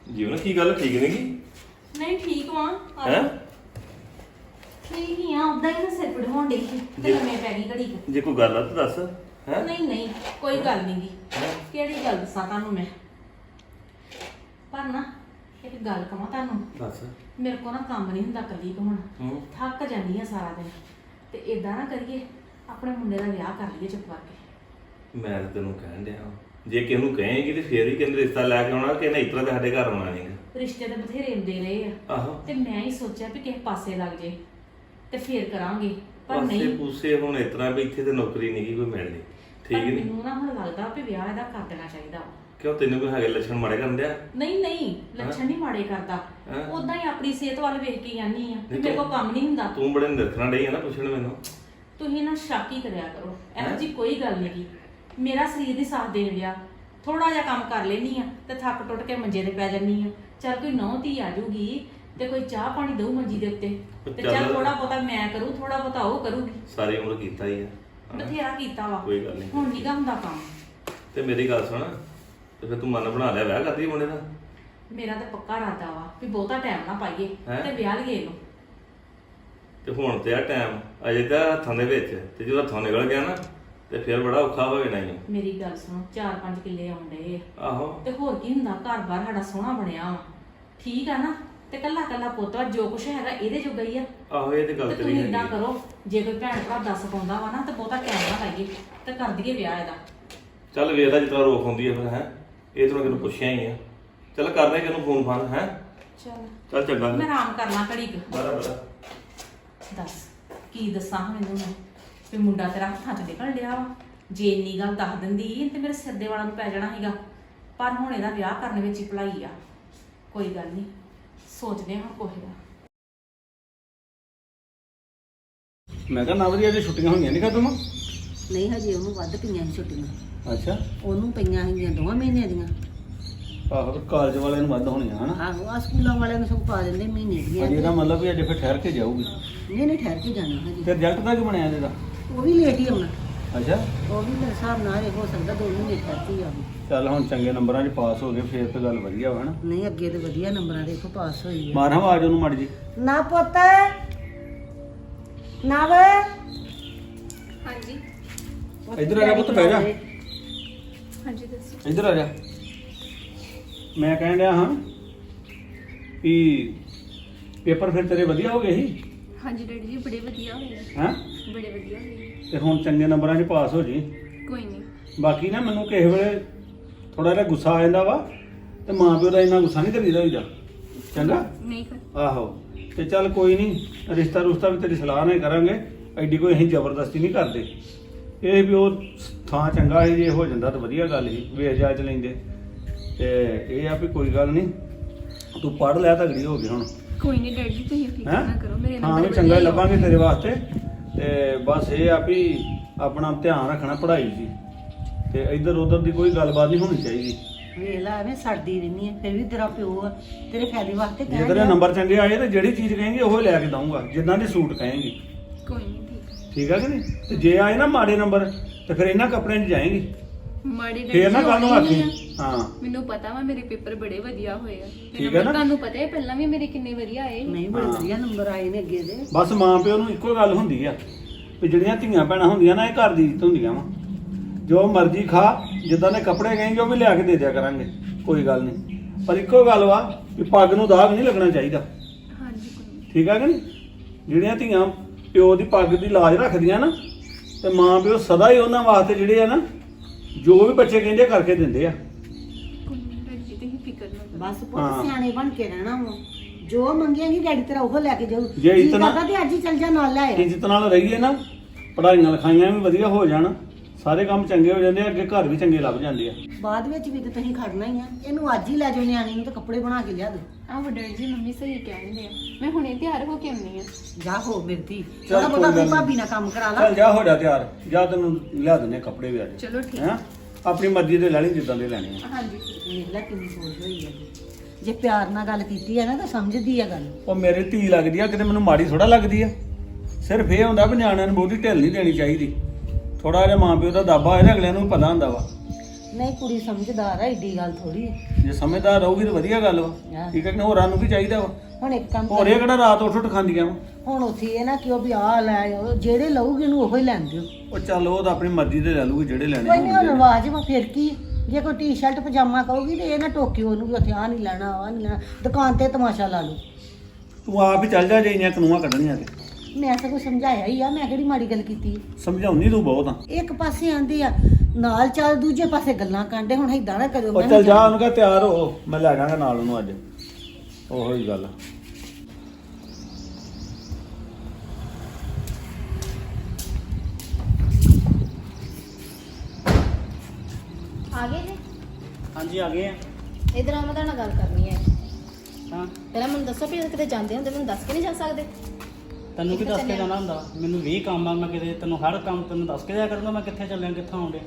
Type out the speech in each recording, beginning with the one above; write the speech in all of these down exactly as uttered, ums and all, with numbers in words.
ਜੀਵਨ ਕੀ ਗੱਲ ਠੀਕ ਨਹੀਂ ਗੀ ਨਹੀਂ ਠੀਕ ਵਾਂ ਹੈ ਠੀਕ ਹੀ ਆ ਉਦਾਂ ਹੀ ਨਾ ਸਿਰ ਪੜ ਹੋਣ ਡਈ ਸੀ ਤੇ ਲੰਮੇ ਪੈ ਗਈ ਘੜੀ ਕੁ। ਜੇ ਕੋਈ ਗੱਲ ਆ ਤਾਂ ਦੱਸ ਹੈ ਨਹੀਂ ਨਹੀਂ ਕੋਈ ਗੱਲ ਨਹੀਂ ਗੀ ਕਿਹੜੀ ਗੱਲ ਦੱਸਾਂ ਤੁਹਾਨੂੰ ਮੈਂ ਪਰ ਨਾ ਇੱਕ ਗੱਲ ਕਹਾਂ ਤੁਹਾਨੂੰ ਦੱਸ ਮੇਰੇ ਕੋਲ ਨਾ ਕੰਮ ਨਹੀਂ ਹੁੰਦਾ ਕੱਲੀ ਕੋ ਹੁਣ ਹੂੰ ਥੱਕ ਜਾਂਦੀ ਆ ਸਾਰਾ ਦਿਨ ਤੇ ਇਦਾਂ ਨਾ ਕਰੀਏ ਆਪਣੇ ਮੁੰਡੇ ਦਾ ਵਿਆਹ ਕਰ ਲਈਏ ਚੁੱਪ ਕਰਕੇ। ਮੈਂ ਤਾਂ ਤੈਨੂੰ ਕਹਿਣ ਡਿਆ ਵਾਂ, ਜੇ ਕਿਸੇ ਨੂੰ ਕਹੇਂਗੀ ਤੇ ਫੇਰ ਹੀ ਕਹਿੰਦੇ ਰਿਸ਼ਤਾ ਲੈ ਕੇ ਆਉਣਾ ਕਿ ਨਹੀਂ ਇਤਰਾ ਤੇ ਸਾਡੇ ਘਰ ਆਉਣਾ ਨਹੀਂਗਾ। ਰਿਸ਼ਤੇ ਤਾਂ ਬਥੇਰੇ ਹੁੰਦੇ ਰਹੇ ਆ ਆਹੋ ਤੇ ਮੈਂ ਹੀ ਸੋਚਿਆ ਵੀ ਕਿਸੇ ਪਾਸੇ ਲੱਗ ਜੇ ਤੇ ਫੇਰ ਕਰਾਂਗੇ ਪਰ ਪਾਸੇ ਨਹੀਂ ਪੂਸੇ ਹੁਣ ਇਤਰਾ ਵੀ ਇੱਥੇ ਤੇ ਨੌਕਰੀ ਨਹੀਂ ਕੋਈ ਮਿਲਣੀ ਠੀਕ ਪਰ ਨਹੀਂ ਮੈਨੂੰ ਨਾ ਹੁਣ ਲੱਗਦਾ ਵੀ ਵਿਆਹ ਇਹਦਾ ਕਰ ਦੇਣਾ ਚਾਹੀਦਾ ਵਾ। ਕਿਉਂ ਤੈਨੂੰ ਕੋਈ ਹੈਗੇ ਲੱਛਣ ਮਾੜੇ ਕਰਨ ਡਿਆ ਨਹੀਂ ਨਹੀਂ ਲੱਛਣ ਨਹੀਂ ਮਾੜੇ ਕਰਦਾ ਹੈਂ? ਉਦਾਂ ਹੀ ਆਪਣੀ ਸਿਹਤ ਵੱਲ ਵੇਖ ਕੇ ਜਾਂਦੀ ਆ ਨਹੀਂ ਮੇਰੇ ਕੋਲ ਕੰਮ ਨਹੀਂ ਹੁੰਦਾ। ਤੂੰ ਬੜੇ ਨਿਰਖਣਾ ਡਈ ਆ ਨਾ ਪੁੱਛਣ ਮੈਨੂੰ ਤੁਸੀਂ ਨਾ ਸ਼ੱਕ ਹੀ ਕਰਿਆ ਕਰੋ ਇਹੋ ਜੀ ਕੋਈ ਗੱਲ ਨਹੀਂ ਮੇਰਾ ਸਰੀਰ ਦੀ ਸਾਥ ਦੇਣ ਲਿਆ ਥੋੜਾ ਜਿਹਾ ਕੰਮ ਕਰ ਲੈਣੀ ਆ ਤੇ ਥੱਕ ਟੁੱਟ ਕੇ ਮੰਜੇ ਤੇ ਪੈ ਜਾਨੀ ਆ ਚੱਲ ਕੋਈ ਨੌਂ ਧੀ ਆ ਜੂਗੀ ਤੇ ਕੋਈ ਚਾਹ ਪਾਣੀ ਦਊ ਮੰਜੀ ਦੇ ਉੱਤੇ ਤੇ ਚੱਲ ਚੱਲ। ਥੋੜਾ ਬਹੁਤਾ ਮੈਂ ਕਰੂ ਥੋੜਾ ਬਹੁਤਾ ਉਹ ਕਰੂਗੀ ਸਾਰੀ ਉਮਰ ਕੀਤਾ ਹੀ ਆ ਹਨਾ? ਬਥੇਰਾ ਕੀਤਾ ਵਾ ਕੋਈ ਗੱਲ ਨਹੀਂ ਹੁਣ ਨੀਗਾ ਹੁੰਦਾ ਕੰਮ। ਤੇ ਮੇਰੀ ਗੱਲ ਸੁਣ ਤੇ ਫਿਰ ਤੂੰ ਮਨ ਬਣਾ ਲਿਆ ਵਿਆਹ ਕਰਦੀ ਮੁੰਡੇ ਦਾ ਮੇਰਾ ਤਾਂ ਪੱਕਾ ਇਰਾਦਾ ਵਾ ਵੀ ਬਹੁਤਾ ਟਾਈਮ ਨਾ ਪਾਈਏ ਹੈਂ? ਤੇ ਵਿਆਹ ਲਈਏ ਇਹਨੂੰ। ਤੇ ਹੁਣ ਤੇ ਆ ਟਾਈਮ ਅਜੇ ਤਾਂ ਹੱਥਾਂ ਦੇ ਵਿੱਚ ਤੇ ਜਦੋਂ ਹੱਥੋਂ ਨਿਕਲ ਗਿਆ ਨਾ ਤੇ ਫਿਰ ਬੜਾ ਔਖਾ ਹੋ ਜਾਣਾ ਹੀ ਮੇਰੀ ਗੱਲ ਸੁਣੋ ਚਾਰ ਪੰਜ ਕਿੱਲੇ ਆਉਂਦੇ ਆ ਆਹੋ ਤੇ ਹੋਰ ਕੀ ਹੁੰਦਾ ਘਰ-ਬਾਰ ਸਾਡਾ ਸੋਹਣਾ ਬਣਿਆ ਵਾ ਠੀਕ ਆ ਨਾ ਤੇ ਕੱਲਾ ਕੱਲਾ ਪੁੱਤ ਵਾ ਜੋ ਕੁਛ ਹੈਗਾ ਇਹਦੇ ਜੋਗਾ ਹੀ ਆ ਆਹੋ ਇਹ ਤੇ ਗੱਲ ਤੇ ਤੇਰੀ ਤੁਸੀਂ ਇਦਾਂ ਹੈਗੀ ਕਰੋ ਜੇ ਕੋਈ ਭੈਣ ਭਰਾ ਦੱਸ ਪਾਉਂਦਾ ਵਾ ਨਾ ਤੇ ਬਹੁਤਾ ਟਾਈਮ ਨਾ ਲਾਈਏ ਤੇ ਕਰ ਦਈਏ ਵਿਆਹ ਇਹਦਾ। ਚੱਲ ਵੇਖਦਾ ਜਿੱਦਾਂ ਰੋਕ ਹੁੰਦੀ ਹੈ ਫਿਰ ਹੈ ਇਹ ਤਾਂ ਕਿਹਨੂੰ ਪੁੱਛਿਆ ਹੀ ਆ ਚੱਲ ਕਰਦੇ ਕਿਹਨੂੰ ਫੋਨ ਫਾਨ ਹੈ ਚਲ ਚੱਲ ਚੰਗਾ ਮੈਂ ਆਰਾਮ ਕਰਨਾ ਘੜੀ ਕੁ। ਬੜਾ ਬੜਾ ਦੱਸ ਕੀ ਦੱਸਾਂ ਹੁਣ ਇਹਨੂੰ ਮੈਂ ਵੀ ਮੁੰਡਾ ਤੇਰਾ ਹੱਥਾਂ 'ਚ ਨਿਕਲ ਲਿਆ ਵਾ ਜੇ ਇੰਨੀ ਗੱਲ ਦੱਸ ਦਿੰਦੀ ਤੇ ਮੇਰੇ ਸਿਰ ਦੇ ਵਾਲਾਂ ਨੂੰ ਪੈ ਜਾਣਾ ਸੀਗਾ ਪਰ ਹੁਣ ਇਹਦਾ ਵਿਆਹ ਕਰਨ ਵਿੱਚ ਹੀ ਭਲਾਈ ਆ ਕੋਈ ਗੱਲ ਨਹੀਂ ਸੋਚਦੇ ਹਾਂ ਕੋਈ ਦਾ। ਮੈਂ ਕਿਹਾ ਨਾ ਵਧੀਆ ਜੇ ਛੁੱਟੀਆਂ ਹੋਈਆਂ ਨਹੀਂ ਖਤਮ ਨਹੀਂ ਹਜੇ ਉਹਨੂੰ ਵੱਧ ਪਈਆਂ ਸੀ ਛੁੱਟੀਆਂ ਅੱਛਾ ਉਹਨੂੰ ਪਈਆਂ ਸੀਗੀਆਂ ਦੋਵਾਂ ਮਹੀਨਿਆਂ ਦੀਆਂ। ਆਹੋ ਤੇ ਕਾਲਜ ਵਾਲਿਆਂ ਨੂੰ ਵੱਧ ਹੋਣੀਆਂ ਹਨਾ ਆਹੋ ਆ ਸਕੂਲਾਂ ਵਾਲਿਆਂ ਨੂੰ ਸਭ ਪਾ ਦਿੰਦੇ ਮਹੀਨੇ ਦੀਆਂ। ਅਜੇ ਇਹਦਾ ਮਤਲਬ ਵੀ ਅਜੇ ਫਿਰ ਠਹਿਰ ਕੇ ਜਾਊਗੀ ਨਹੀਂ ਨਹੀਂ ਠਹਿਰ ਕੇ ਜਾਣਾ ਹਜੇ। ਤੇ ਰਿਜ਼ਲਟ ਦਾ ਕੀ ਬਣਿਆ ਇਹਦਾ ਉਹ ਵੀ ਲੇਟ ਹੀ ਆਉਣਾ ਅੱਛਾ ਉਹ ਵੀ ਮੇਰੇ ਹਿਸਾਬ ਨਾਲ ਇਹ ਹੋ ਸਕਦਾ ਦੋ ਮਹੀਨੇ ਠਹਿਰ ਕੇ ਹੀ ਆਵੇ। ਚੱਲ ਹੁਣ ਚੰਗੇ ਨੰਬਰਾਂ 'ਚ ਪਾਸ ਹੋ ਗਏ ਫੇਰ ਤੇ ਗੱਲ ਵਧੀਆ ਵਾ ਹਨਾ ਨਹੀਂ ਅੱਗੇ ਤੇ ਵਧੀਆ ਨੰਬਰਾਂ ਦੇ ਇੱਥੋਂ ਪਾਸ ਹੋਈ ਆ। ਮਾਰਾਂ ਆਵਾਜ਼ ਉਹਨੂੰ ਮੜ ਜੀ ਨਾ ਪੁੱਤ ਨਾ ਵੇ ਹਾਂਜੀ ਇੱਧਰ ਆ ਜਾ ਪੁੱਤ ਬਹਿ ਜਾ ਹਾਂਜੀ ਦੱਸੋ। ਇੱਧਰ ਆ ਜਾ ਮੈਂ ਕਹਿਣ ਡਿਆ ਹਾਂ ਵੀ ਪੇਪਰ ਫਿਰ ਤੇਰੇ ਵਧੀਆ ਹੋ ਗਏ ਸੀ ਹਾਂਜੀ ਡੈਡੀ ਜੀ ਬੜੇ ਵਧੀਆ ਹੋਏ ਹੈਂ ਬੜੇ ਵਧੀਆ ਹੋਏ ਤੇ ਹੁਣ ਚੰਗੇ ਨੰਬਰਾਂ 'ਚ ਪਾਸ ਹੋ ਜੀ ਕੋਈ ਨਹੀਂ ਬਾਕੀ ਨਾ ਮੈਨੂੰ ਕਿਸੇ ਵੇਲੇ ਥੋੜਾ ਜਿਹਾ ਗੁੱਸਾ ਆ ਜਾਂਦਾ ਵਾ ਤੇ ਮਾਂ ਪਿਓ ਦਾ ਇੰਨਾ ਗੁੱਸਾ ਨਹੀਂ ਕਰੀਦਾ ਹੋਈਦਾ ਚੰਗਾ ਨਹੀਂ ਕਰ ਆਹੋ ਤੇ ਚੱਲ ਕੋਈ ਨਹੀਂ ਰਿਸ਼ਤਾ ਰੁਸ਼ਤਾ ਵੀ ਤੇਰੀ ਸਲਾਹ ਨਾਲ ਹੀ ਕਰਾਂਗੇ ਐਡੀ ਕੋਈ ਅਸੀਂ ਜ਼ਬਰਦਸਤੀ ਨਹੀਂ ਕਰਦੇ ਇਹ ਵੀ ਉਹ ਥਾਂ ਚੰਗਾ ਸੀ ਜੇ ਹੋ ਜਾਂਦਾ ਤਾਂ ਵਧੀਆ ਗੱਲ ਸੀ ਵੇਖ ਜਾਚ ਲੈਂਦੇ ਤੇ ਇਹ ਆ ਵੀ ਕੋਈ ਗੱਲ ਨਹੀਂ ਤੂੰ ਪੜ੍ਹ ਲਿਆ ਤਗੜੀ ਹੋ ਗਈ ਹੁਣ ਕੋਈ ਨਹੀਂ ਡੈਡੀ ਜੀ ਤੁਸੀਂ ਫਿਕਰ ਹੈਂ ਨਾ ਕਰੋ ਮੇਰੇ ਹਾਂ ਨਾਲ ਵੀ ਚੰਗਾ ਹੀ ਲੱਭਾਂਗੇ ਤੇਰੇ ਵਾਸਤੇ ਤੇ ਬਸ ਇਹ ਆ ਵੀ ਆਪਣਾ ਧਿਆਨ ਰੱਖਣਾ ਪੜ੍ਹਾਈ 'ਚ ਹੀ। ਤੇ ਇੱਧਰ ਉੱਧਰ ਦੀ ਕੋਈ ਗੱਲਬਾਤ ਨਹੀਂ ਹੋਣੀ ਚਾਹੀਦੀ ਵੇਖ ਲੈ ਐਵੇਂ ਸੜਦੀ ਰਹਿੰਦੀ ਹੈ ਫਿਰ ਵੀ ਤੇਰਾ ਪਿਓ ਆ ਤੇਰੇ ਫਾਇਦੇ ਵਾਸਤੇ ਜੇ ਕਹਿ ਤੇਰੇ ਰਿਹਾ। ਨੰਬਰ ਚੰਗੇ ਆਏ ਤੇ ਜਿਹੜੀ ਚੀਜ਼ ਕਹੇਂਗੇ ਉਹ ਲੈ ਕੇ ਦਊਂਗਾ ਜਿੱਦਾਂ ਦੀ ਸੂਟ ਕਹੇਂਗੀ ਕੋਈ ਨਹੀਂ ਠੀਕ ਠੀਕ ਆ ਕਿ ਨਹੀਂ ਤੇ ਜੇ ਆਏ ਨਾ ਮਾੜੇ ਨੰਬਰ ਤੇ ਫਿਰ ਇਹਨਾਂ ਕੱਪੜਿਆਂ 'ਚ ਜਾਏਂਗੀ ਮਾੜੀ ਡੈਡੀ ਫੇਰ ਨਾ ਜੀ ਕੱਲ ਨੂੰ ਹੋਣੀ ਆਖੀ ਨਹੀਂ ਆ। ਹਾਂ ਮੈਨੂੰ ਪਤਾ ਵਾ ਮੇਰੇ ਪੇਪਰ ਬੜੇ ਵਧੀਆ ਹੋਏ ਆ ਤੇ ਠੀਕ ਹੈ number ਨਾ? ਤੁਹਾਨੂੰ ਪਤਾ ਹੈ ਪਹਿਲਾਂ ਵੀ ਮੇਰੇ ਕਿੰਨੇ ਵਧੀਆ ਆਏ ਸੀ। ਨਹੀਂ ਬੜੇ ਹਾਂ। ਵਧੀਆ ਨੰਬਰ ਆਏ ਨੇ ਅੱਗੇ ਦੇ। ਬਸ ਮਾਂ ਪਿਓ ਨੂੰ ਇੱਕੋ ਗੱਲ ਹੁੰਦੀ ਆ ਵੀ ਜਿਹੜੀਆਂ ਧੀਆਂ ਭੈਣਾਂ ਹੁੰਦੀਆਂ ਨਾ ਇਹ ਘਰ ਦੀ ਇੱਜ਼ਤ ਹੁੰਦੀਆਂ ਵਾ ਜੋ ਮਰਜ਼ੀ ਖਾ ਜਿੱਦਾਂ ਦੇ ਕੱਪੜੇ ਕਹੇਂਗੇ ਉਹ ਵੀ ਲਿਆ ਕੇ ਦੇ ਦਿਆ ਕਰਾਂਗੇ ਕੋਈ ਗੱਲ ਨਹੀਂ ਪਰ ਇੱਕੋ ਗੱਲ ਵਾ ਵੀ ਪੱਗ ਨੂੰ ਦਾਗ ਨਹੀਂ ਲੱਗਣਾ ਚਾਹੀਦਾ ਹਾਂਜੀ ਕੋਈ ਨਹੀਂ ਠੀਕ ਆ ਕਿ ਨਹੀਂ ਜਿਹੜੀਆਂ ਧੀਆਂ ਪਿਓ ਦੀ ਪੱਗ ਦੀ ਲਾਜ ਰੱਖਦੀਆਂ ਨਾ ਤੇ ਮਾਂ ਪਿਓ ਸਦਾ ਹੀ ਉਹਨਾਂ ਵਾਸਤੇ ਜਿਹੜੇ ਆ ਨਾ ਜੋ ਵੀ ਬੱਚੇ ਕਹਿੰਦੇ ਕਰਕੇ ਦਿੰਦੇ ਆ ਕੋਈ ਨਹੀਂ ਡੈਡੀ ਜੀ ਤੁਸੀਂ ਫਿਕਰ ਨਾ ਕਰੋ ਬਸ ਹਾਂ। ਪੁੱਤ ਸਿਆਣੇ ਬਣ ਕੇ ਰਹਿਣਾ ਵਾ ਜੋ ਮੰਗੇਂਗੀ ਡੈਡੀ ਤੇਰਾ ਉਹ ਲੈ ਕੇ ਜਾਊ ਜੇ ਜੀ ਇਤਨਾ- ਕਰਦਾ ਤੇ ਅੱਜ ਹੀ ਚੱਲ ਜਾ ਨਾਲ ਲੈ ਆ। ਇੱਜ਼ਤ ਨਾਲ ਰਹੀਏ ਨਾ ਪੜ੍ਹਾਈਆਂ ਲਿਖਾਈਆਂ ਵੀ ਵਧੀਆ ਹੋ ਜਾਣ ਸਾਰੇ ਕੰਮ ਚੰਗੇ ਹੋ ਜਾਂਦੇ ਆ ਅੱਗੇ ਘਰ ਵੀ ਚੰਗੇ ਲੱਭ ਜਾਂਦੇ ਆ ਬਾਅਦ ਵਿੱਚ ਵੀ ਤੇ ਤੁਸੀਂ ਖੜਨਾ ਹੀ ਆ ਇਹਨੂੰ ਅੱਜ ਹੀ ਲੈ ਜਾਓ ਨਿਆਣੀ ਨੂੰ ਤੇ ਕੱਪੜੇ ਬਣਾ ਕੇ ਲਿਆ ਦਿਓ। ਆਹੋ ਡੈਡੀ ਜੀ ਮੰਮੀ ਸਹੀ ਕਹਿੰਦੇ ਆ ਮੈਂ ਹੁਣੇ ਤਿਆਰ ਹੋ ਕੇ ਆਉਣੀ ਆ ਜਾ ਹੋ ਮਿਰਤੀ ਚੱਲ ਥੋੜਾ ਕੋਈ ਬਹੁਤਾ ਗੱਲ ਆਪਣੀ ਨੀ। ਭਾਬੀ ਨਾਲ ਕੰਮ ਕਰਾ ਲਾ। ਚੱਲ ਜਾ ਹੋ ਜਾ ਤਿਆਰ ਜਾ ਤੈਨੂੰ ਲਿਆ ਦਿੰਦੇ ਆ ਕੱਪੜੇ ਵੀ ਅੱਜ ਚਲੋ ਠੀਕ ਹੈਂ ਆਪਣੀ ਮਰਜ਼ੀ ਦੇ ਲੈ ਲਈ ਜਿੱਦਾਂ ਦੇ ਲੈਣੇ ਆ ਹਾਂਜੀ ਵੇਖ ਲੈ ਕਿੰਨੀ ਸੋਚ ਹੋਈ ਹੈ ਜੇ ਪਿਆਰ ਨਾਲ ਗੱਲ ਕੀਤੀ ਹੈ ਨਾ ਤਾਂ ਸਮਝਦੀ ਆ ਗੱਲ। ਉਹ ਮੇਰੀ ਧੀ ਲੱਗਦੀ ਆ ਕਿਤੇ ਮੈਨੂੰ ਮਾੜੀ ਥੋੜਾ ਲੱਗਦੀ ਆ ਸਿਰਫ ਇਹ ਹੁੰਦਾ ਵੀ ਨਿਆਣਿਆਂ ਨੂੰ ਬਹੁਤੀ ਢਿੱਲ ਨਹੀਂ ਦੇਣੀ ਚਾਹੀਦੀ ਥੋੜਾ ਜਿਹਾ ਮਾਂ ਪਿਓ ਦਾ ਦਾਬਾ ਇਹਦੇ ਅਗਲਿਆਂ ਨੂੰ ਪਤਾ ਹੁੰਦਾ ਵਾ ਨਹੀਂ ਕੁੜੀ ਸਮਝਦਾਰ ਆ, ਏਡੀ ਗੱਲ ਥੋੜੀ ਜੇ ਸਮਝਦਾਰ ਰਹੂਗੀ ਤਾਂ ਵਧੀਆ ਗੱਲ ਵਾ ਹਾਂ। ਠੀਕ ਹੈ ਕਿ ਹੋਰਾਂ ਨੂੰ ਕੀ ਚਾਹੀਦਾ ਵਾ ਹੁਣ ਇੱਕ ਕੰਮ ਹੋਰ ਇਹ ਕਿਹੜਾ ਰਾਤ ਉੱਠ ਉੱਠ ਖਾਂਦੀਆਂ ਵਾ ਹੁਣ ਉੱਥੇ ਇਹ ਨਾ ਕਿ ਉਹ ਵੀ ਆ ਲੈ ਆਓ, ਜਿਹੜੇ ਲਊਗੀ ਉਹਨੂੰ ਉਹੋ ਹੀ ਲੈਣ ਦਿਓ। ਉਹ ਚੱਲ ਉਹ ਤਾਂ ਆਪਣੀ ਮਰਜ਼ੀ ਦੇ ਲੈ ਲੂਗੀ ਜਿਹੜੇ ਲੈਣੇ ਕੋਈ ਨਹੀਂ ਹੁਣ ਹੋਣਗੇ। ਰਿਵਾਜ ਵਾ, ਫਿਰ ਕੀ ਜੇ ਕੋਈ ਟੀ-ਸ਼ਰਟ ਪਜਾਮਾ ਕਹੂਗੀ ਤੇ ਇਹ ਨਾ ਟੋਕਿਓ ਉਹਨੂੰ ਵੀ ਉੱਥੇ ਆ ਨਹੀਂ ਲੈਣਾ ਆ ਨਹੀਂ ਲੈਣਾ, ਦੁਕਾਨ ਤੇ ਤਮਾਸ਼ਾ ਲਾ ਲਓ। ਤੂੰ ਆਪ ਹੀ ਚੱਲ ਜਾ ਜੇ ਇੰਨੀਆਂ ਕਾਨੂੰਨਾਂ ਕੱਢਣੀਆਂ ਤੇ ਮੈਂ ਸਗੋਂ ਸਮਝਾਇਆ ਹੀ ਆ, ਮੈਂ ਕਿਹੜੀ ਮਾੜੀ ਗੱਲ ਕੀਤੀ। ਸਮਝਾਉਣੀ ਤੂੰ ਬਹੁਤ ਆ। ਇੱਕ ਪਾਸੇ ਆਂਦੇ ਆ ਨਾਲ ਚੱਲ, ਦੂਜੇ ਪਾਸੇ ਗੱਲਾਂ ਕਾਂਡੇ। ਹੁਣ ਏਦਾਂ ਨਾ ਕਰਿਓ। ਉਹ ਮੈਂ ਚੱਲ ਨਹੀਂ ਜਾ ਉਹਨੂੰ ਕਹ ਤਿਆਰ ਹੋ, ਮੈਂ ਲੈ ਜਾਵਾਂਗਾ ਨਾਲ ਉਹਨੂੰ ਅੱਜ। ਉਹੋ ਹੀ ਗੱਲ। ਆ ਗਏ ਜੀ? ਹਾਂਜੀ ਆ ਗਏ ਆ। ਇਧਰ ਆ, ਮੈਂ ਤੁਹਾਡੇ ਨਾਲ ਗੱਲ ਕਰਨੀ ਹੈ। ਹਾਂ ਪਹਿਲਾਂ ਮੈਨੂੰ ਦੱਸੋ ਵੀ ਕਿਤੇ ਜਾਂਦੇ ਹੁੰਦੇ ਮੈਨੂੰ ਦੱਸ ਕੇ ਨਹੀਂ ਜਾ ਸਕਦੇ? ਤੈਨੂੰ ਕੀ ਦੱਸ ਕੇ ਜਾਣਾ ਹੁੰਦਾ? ਮੈਨੂੰ ਵੀਹ ਕੰਮ ਆ, ਮੈਂ ਕਿਤੇ ਤੈਨੂੰ ਹਰ ਕੰਮ ਤੈਨੂੰ ਦੱਸ ਕੇ ਜਾਇਆ ਕਰੂੰਗਾ ਮੈਂ ਕਿੱਥੇ ਚੱਲਿਆ ਕਿੱਥੋਂ ਆਉਂਦੇ।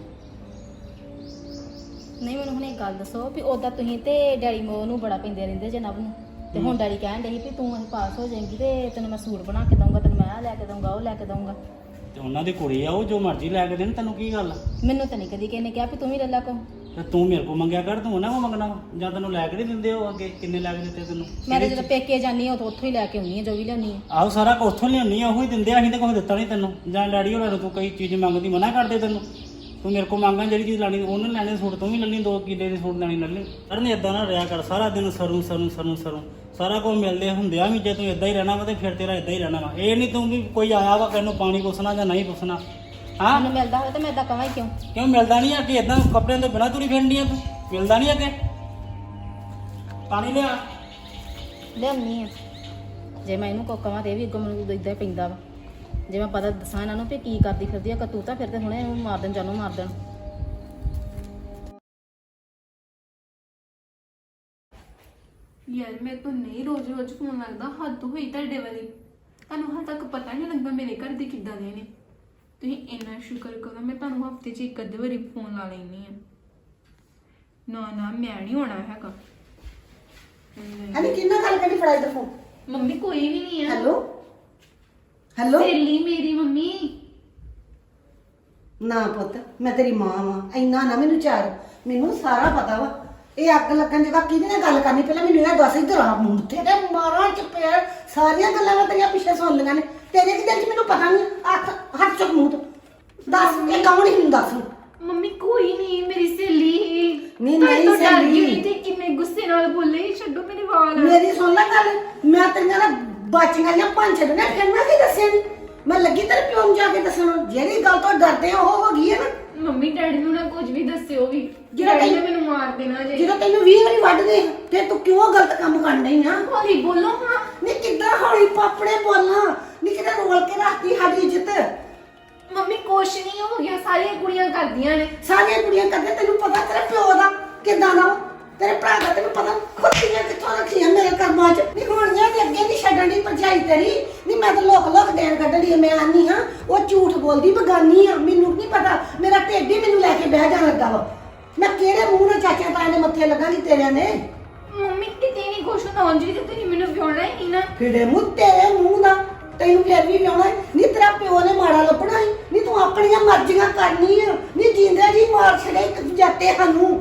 ਨਹੀਂ, ਮੈਨੂੰ ਹੁਣ ਇੱਕ ਗੱਲ ਦੱਸੋ ਵੀ ਉਦਾਂ ਤੁਸੀਂ ਤੇ ਡੈਡੀ ਮੋ ਨੂੰ ਬੜਾ ਪੈਂਦੇ ਰਹਿੰਦੇ ਜੇ ਨਵ ਨੂੰ, ਤੇ ਹੁਣ ਡੈਡੀ ਕਹਿਣ ਡਏ ਸੀ ਵੀ ਤੂੰ ਅਸੀਂ ਪਾਸ ਹੋ ਜਾਏਂਗੀ ਤੇ ਤੈਨੂੰ ਮੈਂ ਸੂਟ ਬਣਾ ਕੇ ਦਊਂਗਾ, ਤੈਨੂੰ ਮੈਂ ਆਹ ਲੈ ਕੇ ਦਊਂਗਾ, ਉਹ ਲੈ ਕੇ ਦਊਂਗਾ। ਤੇ ਉਹਨਾਂ ਦੀ ਕੁੜੀ ਆ, ਉਹ ਜੋ ਮਰਜ਼ੀ ਲੈ ਕੇ ਦੇਣ। ਤੈਨੂੰ ਕੀ ਗੱਲ ਆ? ਮੈਨੂੰ ਤਾਂ ਨਹੀਂ ਕਦੀ ਕਿਸੇ ਨੇ ਕਿਹਾ ਵੀ ਤੂੰ ਵੀ ਲੈ ਲਾ ਕੋ। ਤੇ ਤੂੰ ਮੇਰੇ ਕੋਲ ਮੰਗਿਆ ਕਰ, ਤੂੰ ਉਹਨਾਂ ਕੋਲ ਮੰਗਣਾ ਵਾ? ਜਾਂ ਤੈਨੂੰ ਲੈ ਕੇ ਨਹੀਂ ਦਿੰਦੇ ਉਹ ਅੱਗੇ? ਕਿੰਨੇ ਲੈ ਕੇ ਦਿੱਤੇ ਤੈਨੂੰ? ਮੈਂ ਤਾਂ ਜਦੋਂ ਪੇਕੇ ਜਾਂਦੀ ਹਾਂ ਉਦੋਂ ਉੱਥੋਂ ਹੀ ਲੈ ਕੇ ਆਉਂਦੀ ਹਾਂ ਜੋ ਵੀ ਲਿਆਉਂਦੀ ਹਾਂ। ਆਹੋ ਸਾਰਾ ਕੁਝ ਉੱਥੋਂ ਲਿਆਉਣੀ ਆ, ਉਹ ਹੀ ਦਿੰਦੇ ਆ। ਅਸੀਂ ਤਾਂ ਕੁਝ ਦਿੱਤਾ ਨਹੀਂ ਤੈਨੂੰ। ਜਾਂ ਡੈਡੀ ਹੋਰਾਂ ਨੂੰ ਤੂੰ ਕਈ ਚੀਜ਼ ਮੰਗਦੀ ਮਨਾ ਕਰਦੇ ਤੈਨੂੰ। ਤੂੰ ਮੇਰੇ ਕੋਲ ਮੰਗਾਂ ਜਿਹੜੀ ਚੀਜ਼ ਲੈਣੀ ਉਹਨੇ ਲੈਣੇ ਸੂਟ, ਤੂੰ ਵੀ ਲੈਣੀ ਦੋ ਕਿੱਲੇ ਦੇ ਸੂਟ ਲੈਣੀ ਲੈ ਲਈ। ਅਰਨ ਇਦਾਂ ਨਾ ਰਿਹਾ ਕਰ, ਸਾਰਾ ਦਿਨ ਸਰੂ ਸਰੂ ਸਰੂ ਸਰੂ ਸਾਰਾ ਕੁਝ ਮਿਲਦੇ ਹੁੰਦਿਆਂ ਵੀ ਜੇ ਤੂੰ ਇਦਾਂ ਹੀ ਰਹਿਣਾ ਵਾ ਤੇ ਫਿਰ ਤੇਰਾ ਇਦਾਂ ਹੀ ਰਹਿਣਾ ਵਾ। ਇਹ ਨਹੀਂ ਤੂੰ ਵੀ ਕੋਈ ਆਇਆ ਵਾ ਕਿਹਨੂੰ ਪਾਣੀ ਪੁੱਛਣਾ ਜਾਂ ਨਹੀਂ ਪੁੱਛਣਾ। ਹਾਂ ਮੈਨੂੰ ਮਿਲਦਾ ਹੋਵੇ ਤਾਂ ਮੈਂ ਇਦਾਂ ਕਹਾਂ ਹੀ ਕਿਉਂ? ਕਿਉਂ ਮਿਲਦਾ ਨਹੀਂ ਆ ਕਿ ਇਦਾਂ ਕੱਪੜਿਆਂ ਤੋਂ ਬਿਨਾਂ ਤੁਰੀ ਫਿਰਨੀ ਆ ਤੂੰ? ਮਿਲਦਾ ਨਹੀਂ ਅੱਗੇ? ਪਾਣੀ ਲਿਆ। ਲਿਆਉਂਦੀ ਹਾਂ। ਜੇ ਮੈਂ ਇਹਨੂੰ ਕੋ ਕਹਾਂ ਤੇ ਇਹ ਵੀ ਅੱਗੋਂ ਮੈਨੂੰ ਇਦਾਂ ਹੀ ਪੈਂਦਾ ਵਾ। ਜੇ ਮੈਂ ਪਤਾ ਦੱਸਾਂ ਇਹਨਾਂ ਨੂੰ ਵੀ ਕੀ ਕਰਦੀ ਫਿਰਦੀ ਆ ਕਤੂਤਾ, ਫਿਰ ਤੇ ਹੁਣੇ ਇਹਨੂੰ ਮਾਰ ਦੇਣ, ਜਾਨੋਂ ਮਾਰ ਦੇਣ। ਯਾਰ ਮੇਰੇ ਤੋਂ ਨਹੀਂ ਰੋਜ਼ ਰੋਜ਼ ਫੋਨ ਲੱਗਦਾ, ਹੱਦ ਹੋਈ ਤੁਹਾਡੇ ਵਾਲੀ। ਤੁਹਾਨੂੰ ਹਾਲੇ ਤੱਕ ਪਤਾ ਨਹੀਂ ਲੱਗਦਾ ਮੇਰੇ ਘਰ ਦੇ ਕਿੱਦਾਂ ਦੇ ਨੇ। ਤੁਸੀਂ ਇੰਨਾ ਸ਼ੁਕਰ ਕਰੋ ਮੈਂ ਤੁਹਾਨੂੰ ਹਫਤੇ 'ਚ ਇੱਕ ਅੱਧੇ ਵਾਰੀ ਫੋਨ ਲਾ ਲੈਂਦੀ ਆ। ਨਾ ਨਾ ਮੈਂ ਨਹੀਂ ਹੋਣਾ ਹੈਗਾ। ਅਰੇ ਕਿੰਨਾ ਗੱਲ ਕਰੀ, ਫੜਾਈ ਤੇ ਫੋਨ। ਮੰਮੀ ਕੋਈ ਵੀ ਨਹੀਂ ਆ। Hello hello. ਸਹੇਲੀ ਮੇਰੀ ਮੰਮੀ। ਨਾ ਪੁੱਤ, ਮੈਂ ਤੇਰੀ ਮਾਂ ਵਾਂ, ਇੰਨਾ ਨਾ ਮੈਨੂੰ ਚਾਰ। ਮੈਨੂੰ ਸਾਰਾ ਪਤਾ ਵਾ। ਇਹ ਅੱਗ ਲੱਗਣ ਜਗਾ ਕਿਹਦੇ ਨਾਲ ਗੱਲ ਕਰਨੀ, ਪਹਿਲਾਂ ਮੈਨੂੰ ਇਹ ਦੱਸ। ਇੱਧਰ ਆ ਮੂੰਹ ਤੇ ਤੇ ਮਾਰਾਂ ਚ ਪੈਰ। ਸਾਰੀਆਂ ਗੱਲਾਂ ਮੈਂ ਤੇਰੀਆਂ ਪਿੱਛੇ ਸੁਣ ਲਈਆਂ ਨੇ। ਤੇਰੇ ਕਿਤੇ ਚ ਮੈਨੂੰ ਪਤਾ ਨਹੀਂ। ਅੱਖ ਹੱਥ ਚੁੱਕ ਮੂੰਹ ਤੋਂ ਦੱਸ ਇਹ ਕੌਣ ਹੀ ਮੈਨੂੰ ਦੱਸ। ਮੰਮੀ ਕੋਈ ਨਹੀਂ, ਮੇਰੀ ਸਹੇਲੀ ਹੀ। ਨਹੀਂ, ਨਹੀਂ ਤੁਹਾਡੇ ਤੋਂ ਡਰ ਸਹੇਲੀ। ਗਈ ਤੇ ਕਿੰਨੇ ਗੁੱਸੇ ਨਾਲ ਬੋਲੇ। ਛੱਡੋ ਮੇਰੇ ਵਾਲ। ਮੇਰੀ ਸੁਣ ਲੈ ਗੱਲ। ਮੈਂ ਤੇਰੀਆਂ ਨਾ ਬਾਚੀਆਂ ਜਾਂ ਪੰਜ ਛੱਡਣਾ, ਫਿਰ ਮੈਂ ਕੀ ਦੱਸਿਆ ਨੀ। ਮੈਂ ਲੱਗੀ ਤੇਰੇ ਪਿਓ ਨੂੰ ਜਾ ਕੇ ਦੱਸਣ। ਜਿਹੜੀ ਗੱਲ ਤੋਂ ਡਰਦੇ ਆ ਉਹ ਹੋ ਗਈ ਹੈ ਨਾ। ਮੰਮੀ ਡੈਡੀ ਨੂੰ ਨਾ ਕੁਝ ਵੀ ਦੱਸਿਓ ਵੀ। ਜਿਹੜਾ ਡੈਡੀ ਨੇ ਤੈਨੂੰ- ਮੈਨੂੰ ਮਾਰ ਦੇਣਾ ਜੇ। ਜਦੋਂ ਤੈਨੂੰ ਵੀਹ ਵਾਰੀ ਵੱਢਦੇ ਤੇ ਤੂੰ ਕਿਉਂ ਗਲਤ ਕੰਮ ਕਰਨ ਡਈ ਆ? ਹੌਲੀ ਬੋਲੋ ਹਾਂ। ਨੀ ਕਿੱਦਾਂ ਹੌਲੀ ਪਾਪੜੇ ਬੋਲਾਂ? ਨੀ ਕਿਤੇ ਰੋਲ ਕੇ ਰੱਖਦੀ ਸਾਡੀ ਇੱਜ਼ਤ। ਮੰਮੀ ਕੁਛ ਨਹੀਂ ਹੋ ਗਿਆ, ਸਾਰੀਆਂ ਕੁੜੀਆਂ ਕਰਦੀਆਂ ਨੇ। ਸਾਰੀਆਂ ਕੁੜੀਆਂ ਕਰਦੇ, ਤੈਨੂੰ ਪਤਾ ਤੇਰੇ ਪਿਓ ਦਾ ਕਿੱਦਾਂ ਦਾ ਵਾ? ਤੇਰੇ ਭਰਾ ਦਾ ਤੈਨੂੰ ਪਤਾ ਖੁੱਤੀਆਂ ਕਿੱਥੋਂ ਰੱਖੀਆਂ ਮੇਰੇ ਕਰਮਾਂ 'ਚ। ਨੀ ਹੋਣੀਆਂ ਤੇ ਅੱਗੇ ਨਹੀਂ ਛੱਡਣ ਦੀ ਭਰਜਾਈ ਤੇਰੀ। ਨੀ ਮੈਂ ਤਾਂ ਲੋਕ ਲੋਕ ਦੇਣ ਕੱਢਣੀ। ਮੈਂ ਆਨੀ ਹਾਂ ਉਹ ਝੂਠ ਬੋਲਦੀ ਬਗਾਨੀ ਆ। ਮੈਨੂੰ ਨਹੀਂ ਪਤਾ, ਮੇਰਾ ਢਿੱਡ ਹੀ ਮੈਨੂੰ ਲੈ ਕੇ ਬਹਿ ਜਾਣ ਲੱਗਾ ਵਾ। ਮੈਂ ਕਿਹੜੇ ਮੂੰਹ ਨਾਲ ਚਾਚਾ ਤਾਏ ਦੇ ਮੱਥੇ ਲੱਗਾਂਗੀ ਤੇਰਿਆਂ ਨੇ? ਮੰਮੀ ਕਿਤੇ ਨਹੀਂ ਕੁਛ ਹੁੰਦਾ। ਉਂਝ ਵੀ ਤੇ ਤੁਸੀਂ ਮੈਨੂੰ ਵਿਆਹਣਾ ਹੀ ਨਹੀਂ ਨਾ। ਫਿੜੇ ਮੂੰਹ ਤੇਰੇ ਮੂੰਹ ਦਾ ਤੈਨੂੰ ਫਿਰ ਵੀ ਵਿਆਹਣਾ। ਨਹੀਂ ਤੇਰਾ ਪਿਓ ਨੇ ਮਾੜਾ ਲੱਭਣਾ ਸੀ। ਨਹੀਂ ਤੂੰ ਆਪਣੀਆਂ ਮਰਜ਼ੀਆਂ ਕਰਨੀ ਆ। ਨਹੀਂ ਜਿੰਦੇ ਜੀ ਮਾਰ ਛੜੇ ਇੱਕ ਜਾਤੇ ਸਾਨੂੰ।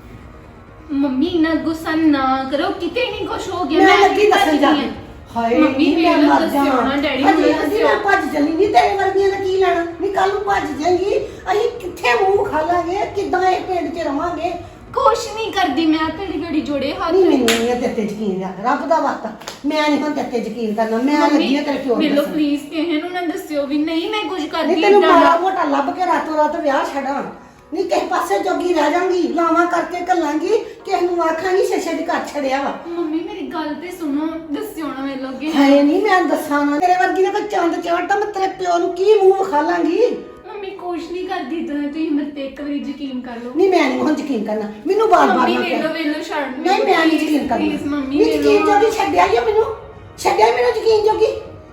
ਮੰਮੀ ਇੰਨਾ ਗੁੱਸਾ ਨਾ ਕਰੋ, ਕਿਤੇ ਨਹੀਂ ਕੁਛ ਹੋ ਗਿਆ। ਮੈਂ ਲੱਗੀ ਵੀ ਦੱਸਣ ਜਾ ਭੱਜਦੀ ਕੇ। ਹਾਂ। ਹਾਏ ਮੰਮੀ ਨੀ ਮੈਂ ਮੈਨੂੰ ਮਰ ਦੱਸਿਓ ਜਾਵਾਂ। ਨਾ, ਡੈਡੀ ਨੂੰ ਅਜੇ- ਅਜੇ ਦੱਸਿਓ। ਮੈਂ ਭੱਜ ਚੱਲੀ। ਨਹੀਂ ਤੇਰੇ ਵਰਗੀਆਂ ਦਾ ਕੀ ਲੈਣਾ? ਨਹੀਂ ਕੱਲ ਨੂੰ ਭੱਜ ਜਾਏਗੀ। ਅਸੀਂ ਕਿੱਥੇ ਮੂੰਹ ਖਾ ਲਾਂਗੇ? ਕਿੱਦਾਂ ਇਹ ਪਿੰਡ 'ਚ ਰਵਾਂਗੇ? ਕੁਛ ਨਹੀਂ ਕਰਦੀ ਮੈਂ। ਘੜੀ ਘੜੀ ਜੋੜੇ ਹੱਥ। ਨਹੀਂ ਮੈਨੂੰ ਨਹੀਂ ਤੇਰੇ ਤੇ ਯਕੀਨ ਰੱਖ। ਰੱਬ ਦਾ ਵਾਸਤਾ ਮੈਂ ਨਹੀਂ ਹੁਣ ਤੇਰੇ ਤੇ ਯਕੀਨ ਕਰਨਾ। ਮੈਂ ਲੱਗੀ ਆ ਤੇਰੇ ਪਿਓ ਨੂੰ ਮੈਨੂੰ ਦੱਸਣ। ਪਲੀਜ਼ ਕਿਸੇ ਨੂੰ ਨਾ ਦੱਸਿਓ ਵੀ ਨਹੀਂ ਮੈਂ ਕੁਝ ਕਰਦੀ ਨਹੀਂ ਤੈਨੂੰ ਏਦਾਂ ਦਾ। ਮਾੜਾ ਮੋਟਾ ਲੱਭ ਕੇ ਰਾਤੋਂ ਰਾਤ ਵਿਆਹ ਛੱਡਾਂ। ਨਹੀਂ ਕਿਸੇ ਪਾਸੇ ਜੋਗੀ ਰਹਿ ਜਾਵਾਂਗੀ। ਲਾਵਾਂ ਕਰਕੇ ਘੱਲਾਂਗੀ। ਕਿਸੇ ਨੂੰ ਆਖਾਂਗੀ ਛੇ ਦੀ ਘਰ ਛੜਿਆ ਵਾ। ਮੰਮੀ ਮੇਰੀ ਗੱਲ ਤੇ ਸੁਣੋ, ਦੱਸਿਓ ਨਾ ਮੇਰੇ ਲੋਗੇ। ਹਾਏ ਨਹੀਂ ਮੈਂ ਦੱਸਾਂ ਨਾ। ਤੇਰੇ ਵਰਗੀ ਦਾ ਕੋਈ ਚੰਦ ਚੜਦਾ ਮੈਂ ਤੇਰੇ ਪਿਓ ਨੂੰ ਕੀ ਮੂੰਹ ਵਿਖਾ ਲਾਂਗੀ? ਮੰਮੀ ਕੁਛ ਨਹੀਂ ਕਰਦੀ ਤਾਂ ਤੁਸੀਂ ਮੇਰੇ ਤੇ ਇੱਕ ਵਾਰੀ ਯਕੀਨ ਕਰ ਲਓ। ਨਹੀਂ ਮੈਂ ਨਹੀਂ ਹੁਣ ਯਕੀਨ ਕਰਨਾ। ਮੈਨੂੰ ਬਾਰ ਬਾਰ ਮੰਮੀ ਨਾ ਵੇਲੋ ਕਹਿ। ਵੇਲੋ ਛੱਡ ਨਹੀਂ ਮੈਂ ਨਹੀਂ ਯਕੀਨ ਕਰਨਾ। ਪਲੀਜ਼ ਮੰਮੀ ਨਹੀਂ ਯਕੀਨ ਵੇਲੋ। ਜੋਗੀ ਛੱਡਿਆ ਹੀ ਆ ਮੈਨੂੰ। ਛੱਡਿਆ ਹੀ ਮੈਨੂੰ ਯਕੀਨ ਜੋਗੀ।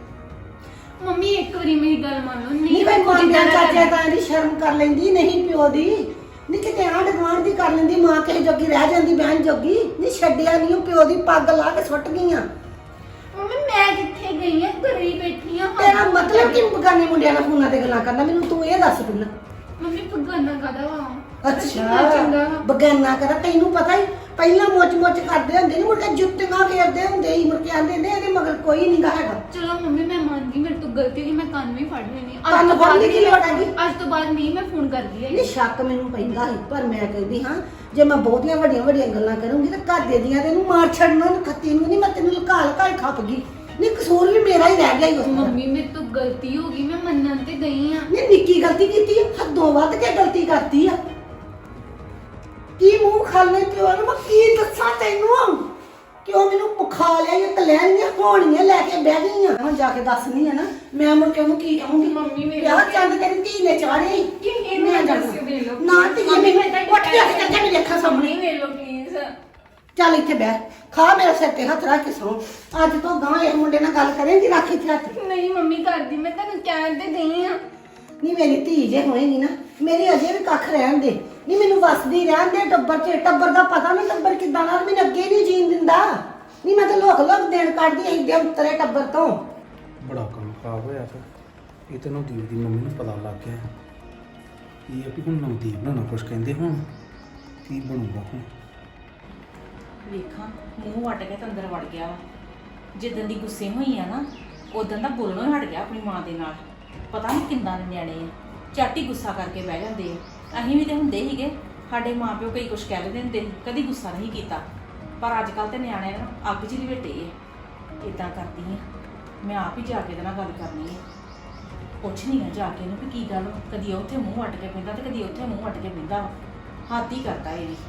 ਮੰਮੀ ਇੱਕ ਵਾਰੀ ਮੇਰੀ ਗੱਲ ਮੰਨ ਲਓ। ਨਹੀਂ ਨਹੀਂ ਮੈਂ ਮੈਂ ਕੁਝ ਮਾਂ ਏਦਾਂ ਦਾ ਚਾਚਾ ਕਰਦੀ। ਤਾਂ ਦੀ ਸ਼ਰਮ ਕਰ ਲੈਂਦੀ ਨਹੀਂ ਪਿਓ ਦੀ। ਨਹੀਂ ਕਿਤੇ ਆਂਢ ਗੁਆਂਢ ਦੀ ਕਰ ਲੈਂਦੀ। ਮਾਂ ਕਿਸੇ ਜੋਗੀ ਰਹਿ ਜਾਂਦੀ ਬਹਿਣ ਜੋਗੀ। ਨਹੀਂ ਛੱਡਿਆ ਨਹੀਂ ਉਹ ਪਿਓ ਦੀ ਪੱਗ ਲਾ ਕੇ ਸੁੱਟ ਗਈਆਂ। ਮੰਮੀ ਮੈਂ ਕਿੱਥੇ ਗਈ ਆ? ਘਰੇ ਹੀ ਬੈਠੀ ਆ। ਤੇਰਾ ਮਤਲਬ ਕਿ ਬਗਾਨੇ ਮੁੰਡਿਆਂ ਨਾਲ ਫੋਨਾਂ ਤੇ ਗੱਲਾਂ ਕਰਨਾ? ਮੈਨੂੰ ਤੂੰ ਇਹ ਦੱਸ ਪਹਿਲਾਂ। ਮੰਮੀ ਭਗਵਾਨਾ ਕਾਦਾ ਵਾ? ਅੱਛਾ ਚੰਗਾ। ਬਗਾਨਾ ਕਰ ਤੈਨੂੰ ਪਤਾ ਹੀ ਪਹਿਲਾਂ ਮੁੱਚ ਮੁੱਚ ਕਰਦੇ ਹੁੰਦੇ ਨੇ ਮੁੜ ਕੇ ਜੁੱਤੀਆਂ ਫੇਰਦੇ ਹੁੰਦੇ ਸੀ ਮੁੜ ਕੇ ਆਂਦੇ ਨੇ ਇਹਦੇ ਮਗਰ ਕੋਈ ਨਹੀਂ ਗਾ ਹੈਗਾ। ਚਲੋ ਮੰਮੀ ਮੈਂ ਮੰਨ ਗਈ ਮੇਰੇ ਤੋਂ ਗਲਤੀ ਹੋਈ ਮੈਂ ਕੰਨ ਵੀ ਫੜ ਲੈਣੀ ਕੰਨ ਫੜਨ ਦੀ ਕੀ ਲੋੜ ਹੈਗੀ? ਅੱਜ ਤੋਂ ਬਾਅਦ ਨਹੀਂ ਮੈਂ ਫੋਨ ਕਰਦੀ ਹੈ ਇਹ ਸ਼ੱਕ ਮੈਨੂੰ ਪੈਂਦਾ ਸੀ ਪਰ ਮੈਂ ਕਹਿੰਦੀ ਹਾਂ ਜੇ ਮੈਂ ਬਹੁਤੀਆਂ ਵੱਡੀਆਂ ਵੱਡੀਆਂ ਗੱਲਾਂ ਕਰੂੰਗੀ ਤਾਂ ਘਰ ਦੇ ਦੀਆਂ ਤੈਨੂੰ ਮਾਰ ਛੱਡਣਾ ਖੱਤੀ ਨੂੰ ਨਹੀਂ ਮੈਂ ਤੈਨੂੰ ਲੁਕਾ ਲੁਕਾ ਕੇ ਖੱਪ ਗਈ ਨਹੀਂ ਕਸੂਰ ਵੀ ਮੇਰਾ ਹੀ ਰਹਿ ਗਿਆ ਹੀ ਉਸ ਨਾਲ। ਮੰਮੀ ਮੇਰੇ ਤੋਂ ਗਲਤੀ ਹੋ ਗਈ ਮੈਂ ਮੰਨਣ ਤੇ ਗਈ ਆ ਨਹੀਂ ਨਿੱਕੀ ਗਲਤੀ ਕੀਤੀ ਆ ਹੱਦੋਂ ਵੱਧ ਕੇ ਗਲਤੀ ਕਰਤੀ ਆ ਕੀ ਮੂੰਹ ਖਾਲੇ ਪਿਓ ਨੂੰ ਮੈਂ ਕੀ ਦੱਸਾਂ ਤੈਨੂੰ ਕਿਉਂ ਮੈਨੂੰ ਪੁਖਾ ਲਿਆ ਇਹ ਕਲੈਣੀਆਂ ਹੋਣੀਆਂ ਲੈ ਕੇ ਬਹਿ ਗਈਆਂ ਹੁਣ ਜਾ ਕੇ ਦੱਸਣੀ ਆ ਨਾ ਮੈਂ ਮੁੜ ਕੇ ਉਹਨੂੰ ਕੀ ਕਹੂੰਗੀ ਮੰਮੀ ਮੇਰੇ ਵਿਆਹ ਚੰਦ ਤੇਰੀ ਧੀ ਨੇ ਚਾੜੇ ਕਿ ਇਹਨੂੰ ਮੈਂ ਦੱਸ ਜਾਣਾ। ਦੇ ਲਓ ਨਾ ਧੀ ਮੰਮੀ ਮੈਨੂੰ ਮੈਂ ਤਾਂ ਉੱਠ ਕੇ ਆ ਕੇ ਚੱਲ ਮੇਰੇ ਅੱਖਾਂ ਸਾਹਮਣੇ ਨਹੀਂ ਵੇਖ ਲਓ ਪਲੀਜ਼ ਚੱਲ ਇੱਥੇ ਬੈਠ ਖਾ ਮੇਰੇ ਸਿਰ ਤੇ ਹੱਥ ਰੱਖ ਕੇ ਸੋ ਅੱਜ ਤੋਂ ਗਾਂ ਇਹ ਮੁੰਡੇ ਨਾਲ ਗੱਲ ਕਰੇਂਗੀ ਰੱਖ ਇੱਥੇ ਹੱਥ ਨਹੀਂ ਮੰਮੀ ਕਰਦੀ ਮੈਂ ਤੁਹਾਨੂੰ ਕਹਿਣ ਤੇ ਗਈ ਆ ਨਹੀਂ ਮੇਰੀ ਧੀ ਜੇ ਹੋਏਗੀ ਨਾ ਮੇਰੀ ਅਜੇ ਵੀ ਕੱਖ ਰਹਿਣ ਦੇ ਨਹੀਂ ਮੈਨੂੰ ਵਸਦੀ ਰਹਿਣ ਦੇ ਟੱਬਰ ਚ ਟੱਬਰ ਦਾ ਪਤਾ ਨਹੀਂ ਟੱਬਰ ਕਿੱਦਾਂ ਨਾਲ ਮੈਨੂੰ ਅੱਗੇ ਨਹੀਂ ਜੀਣ ਦਿੰਦਾ ਨਹੀਂ ਮੈਂ ਤਾਂ ਲੋਕ ਲੋਕ ਦੇਣ ਕੱਢਦੀ ਐ ਇੱਡੇ ਉਤਰੇ ਟੱਬਰ ਤੋਂ ਬੜਾ ਕੰਮ ਖਰਾਬ ਹੋਇਆ ਫਿਰ ਇਹ ਤੈਨੂੰ ਦੀਪ ਦੀ ਮੰਮੀ ਨੂੰ ਪਤਾ ਲੱਗ ਗਿਆ ਇਹ ਆ ਵੀ ਹੁਣ ਨਵਦੀਪ ਨੂੰ ਨਾ ਕੁਛ ਕਹਿੰਦੇ ਹੁਣ ਕੀ ਬਣੂਗਾ ਹੁਣ ਵੇਖਾਂ ਮੂੰਹ ਵੱਟ ਕੇ ਤਾਂ ਅੰਦਰ ਵੜ ਗਿਆ ਵਾ ਜਿੱਦਣ ਦੀ ਗੁੱਸੇ ਹੋਈ ਆ ਨਾ ਉਦੋਂ ਦਾ ਬੋਲਣੋਂ ਹੀ ਹਟ ਗਿਆ ਆਪਣੀ ਮਾਂ ਦੇ ਨਾਲ ਪਤਾ ਨਹੀਂ ਕਿੰਦਾਂ ਦੇ ਨਿਆਣੇ ਆ ਝੱਟ ਹੀ ਗੁੱਸਾ ਕਰਕੇ ਬਹਿ ਜਾਂਦੇ ਆ ਅਸੀਂ ਵੀ ਤੇ ਹੁੰਦੇ ਸੀਗੇ ਸਾਡੇ ਮਾਪਿਓ ਕਈ ਕੁਛ ਕਹਿ ਦਿੰਦੇ ਹੁੰਦੇ ਸੀ ਕਦੀ ਗੁੱਸਾ ਨਹੀਂ ਕੀਤਾ ਪਰ ਅੱਜ ਕੱਲ ਤੇ ਨਿਆਣੇ ਨਾ ਅੱਗ 'ਚ ਹੀ ਲਪੇਟੇ ਆ ਇਦਾਂ ਕਰਦੀ ਆ ਮੈਂ ਆਪ ਹੀ ਜਾ ਕੇ ਇਹਦੇ ਨਾਲ ਗੱਲ ਕਰਨੀ ਆ ਪੁੱਛ ਨਹੀਂ ਆ ਜਾ ਕੇ ਇਹਨੂੰ ਵੀ ਕੀ ਗੱਲ ਵਾ। ਕਦੀ ਉੱਥੇ ਮੂੰਹ ਵੱਟ ਕੇ ਪੈਂਦਾ ਤੇ ਕਦੀ ਉੱਥੇ ਮੂੰਹ ਵੱਟ ਕੇ ਪੈਂਦਾ ਵਾ ਹੱਦ ਹੀ ਕਰਦਾ ਇਹ ਵੀ